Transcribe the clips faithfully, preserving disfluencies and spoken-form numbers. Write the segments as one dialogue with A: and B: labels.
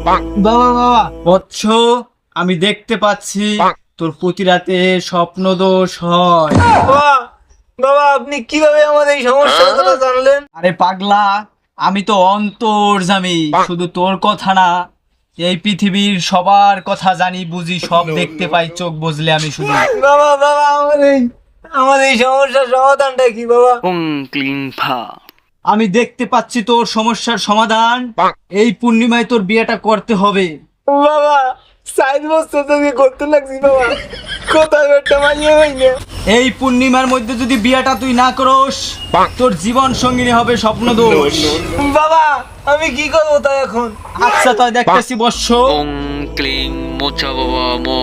A: বাবা বাবা বৎস, আমি দেখতে পাচ্ছি তোর প্রতি রাতে স্বপ্ন দোষ হয়।
B: বাবা বাবা আপনি কিভাবে আমাদের এই সমস্যার কথা জানলেন?
A: আরে পাগলা, আমি তো অন্তর্যামী, শুধু তোর কথা না, এই পৃথিবীর সবার কথা জানি বুঝি, সব দেখতে পাই চোখ বুঝলে আমি শুধু।
B: বাবা বাবা আমার এই আমাদের এই সমস্যার সমাধানটা কি বাবা?
C: ওং ক্লিং ফা।
A: আমি দেখতে পাচ্ছি তোর সমস্যার সমাধান, এই পূর্ণিমায় তোর বিয়েটা করতে হবে।
B: বাবা সাইড বছর তোকে করতে লাগছি বাবা, কোথাও একটা মানিয়ে হই না।
A: এই পূর্ণিমার মধ্যে যদি বিয়েটা তুই না করস, তোর জীবন সঙ্গিনী হবে স্বপ্ন দোষ।
B: বাবা আমি কি করবো তাই এখন?
A: আচ্ছা তাই দেখতেছি বৎস।
C: ওং ক্লিং মোচা বাবা মো।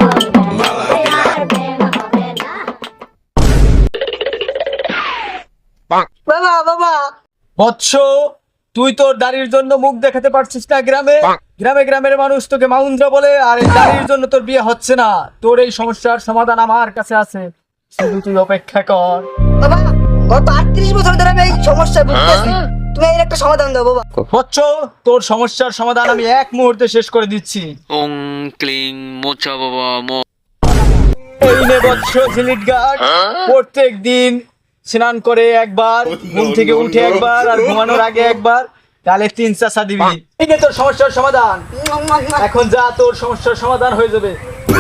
B: বাবা বাবা
A: বৎস, তুই তোর দাড়ির জন্য মুখ দেখাতে পারছিস না গ্রামে, গ্রামে গ্রামের মানুষ তোকে মাউন্দ্রা বলে, আর এই দাড়ির জন্য তোর বিয়ে হচ্ছে না। তোর এই সমস্যার সমাধান আমার কাছে আছে, শুধু তুই অপেক্ষা কর।
D: বাবা গত আটত্রিশ বছর ধরে আমি এই সমস্যায় ভুগতেছি, তুমি এর একটা সমাধান দাও বাবা।
A: বৎস, তোর সমস্যার সমাধান আমি এক মুহূর্তে শেষ করে দিচ্ছি।
C: ওং ক্লিং মোচা বাবা মো।
A: এই নে বৎস ঝিলিট গাছ, প্রত্যেক দিন স্নান করে একবার, ঘুম থেকে উঠে একবার, আর ঘুমানোর আগে একবার, তাহলে তিন চাষা দিবি। এই নে তোর সমস্যার সমাধান, এখন যা, তোর সমস্যার সমাধান হয়ে যাবে।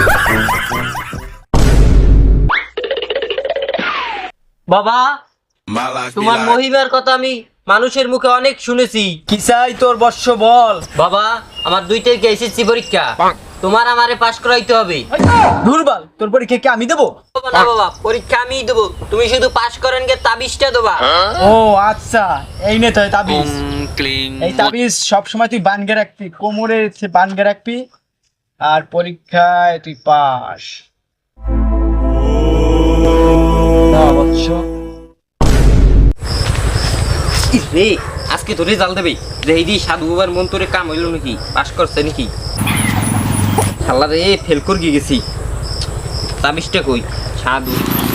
B: বাবা তোমার মহিমার কথা আমি মানুষের মুখে অনেক শুনেছি।
A: কি চাই তোর বৎস বল।
B: বাবা আমার দুইটাই এসএসসি পরীক্ষা, তোমার আমারে পাস করাইতে হবে।
A: দুর্বল, তোর পরীক্ষা কি আমি দেবো?
B: বাবা, না বাবা পরীক্ষা আমিই দেবো, তুমি শুধু পাস করেন গে তাবিজটা দেবা।
A: ও আচ্ছা, এই নে তো
C: ওং
A: তাবিজ।
C: ক্লিং
A: এই তাবিজ সবসময় তুই বানগে রাখবি, কোমরে বানগে রাখবি, আর পরীক্ষায় তুই পাস। না বৎস,
B: রে আজকে তো রেজাল্ট দেবে, যে এই দিয়ে সাধু বাবার মন তোরে কাম হইল নাকি, পাস করছে নাকি? আল্লাহ রে ফেল করে গেছি, তাবিজটা কই? সাধু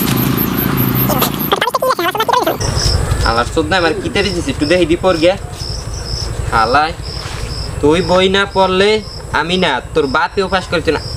B: আল্লাহ চোদ না আমার কিতারে দিছি, একটু দেখি দি পর গে। হালায় তুই বই না পড়লে আমি না, তোর বাপেও পাস করছে না।